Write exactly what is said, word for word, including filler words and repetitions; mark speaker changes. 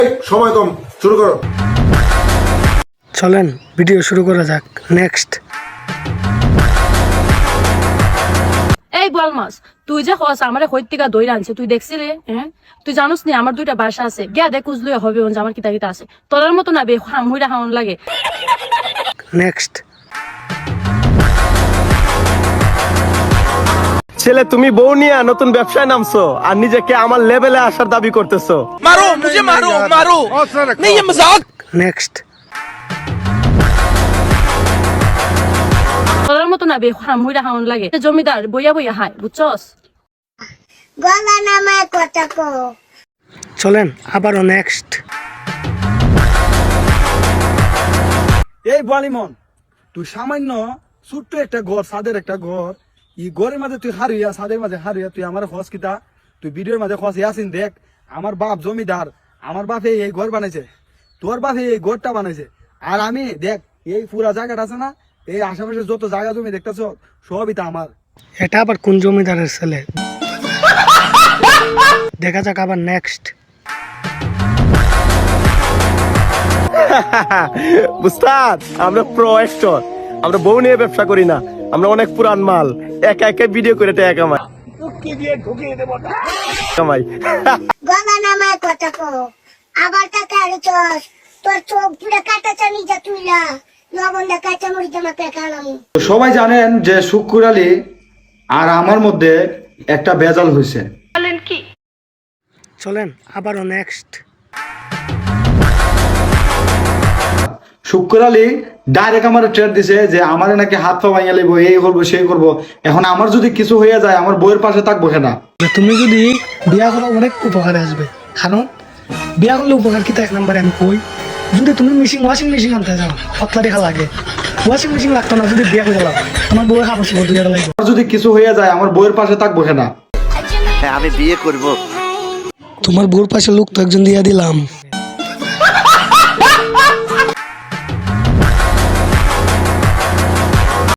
Speaker 1: সময় কম, শুরু করো।
Speaker 2: চলেন ভিডিও শুরু করা যাক। নেক্সট।
Speaker 3: এই বলমাস, তুই যে হস আমার হৈতিকা দই আনছে, তুই দেখছিলি? হ্যাঁ, তুই জানোস নি আমার দুইটা বাসা আছে, গিয়া দেখ কুজলুই হবে আমার কিতা কিতা আছে। তোর মতো না বে মুইরা হাউন লাগে।
Speaker 2: নেক্সট।
Speaker 4: ছেলে তুমি বউ নিয়ে নতুন ব্যবসায় নামছো আর নিজেকে আমার লেভেলে আসার দাবি করতেছো।
Speaker 5: मारो मुझे मारो मारो नहीं ये मजाक।
Speaker 2: নেক্সট।
Speaker 3: তোর মতো না বে মুইরা হাউন লাগে। জমিদার বইয়া বইয়া হাই, বুঝছস?
Speaker 6: গলা নামায় কথা কো।
Speaker 2: চলেন আবারও নেক্সট।
Speaker 7: এই বালিমন, তুই সামান্য ছোট্ট একটা ঘর, সাদের একটা ঘর, এই ঘরের মাঝে তুই হারিয়া, সাদের মাঝে হারিয়া তুই আমার খস কিতা, তুই ভিডিওর মাঝে খস আসিন দেখ। আমার বাপ জমিদার, আমার বাপে এই ঘর বানাইছে, তোর বাপে এই ঘরটা বানাইছে, আর আমি দেখ এই পুরা জায়গাটা আছে না, এই আশেপাশে যত জায়গা জমি দেখতেছ সবই তা আমার।
Speaker 2: এটা আবার কোন জমিদারের ছেলে? দেখা যাক আবার নেক্সট।
Speaker 4: উস্তাদ, আমরা প্রো অ্যাক্টর, আমরা বউ নিয়ে ব্যবসা করি না, আমরা অনেক পুরান মাল, একা একা ভিডিও করে টাকা কামাই কামাই
Speaker 6: গলা নামায় কথা কো। আবার টাকা আরে চস, তোর চোখ পুরো কাটা চানি যা তুইলা, লবণ দা কাঁচা মরিচ জমা পেকালাম।
Speaker 8: সবাই জানেন যে শুক্কুর আলী আর আমার মধ্যে একটা ভেজাল হয়েছে।
Speaker 2: চলেন আবারও নেক্সট।
Speaker 8: শুক্কুর আলী ডাইরেক্ট আমার ট্রেড দিছে যে আমার নাকি হাত পা ভাঙিয়ে লিব, এই করবো সেই করবো। এখন আমার যদি কিছু হয়ে যায় আমার বইয়ের পাশে থাকবো কেনা।
Speaker 2: তুমি যদি বিয়া করো অনেক উপকারে আসবে, কারণ বিয়া করলে উপকার কি এক নম্বরে আমি কই, যদি তুমি মেশিন ওয়াশিং মেশিন আনতে যাও কতলা টাকা লাগে, ওয়াশিং মেশিন লাগতো না, যদি বিয়া করে যাও আমার বউয়ের কাপড় চোপড় দুই টাকা লাগবে।
Speaker 8: আমার যদি কিছু হয়ে যায় আমার বইয়ের পাশে থাকবো কেনা।
Speaker 5: আমি বিয়ে করব।
Speaker 2: তোমার বউর পাশে লোক তো একজন দিয়া দিলাম।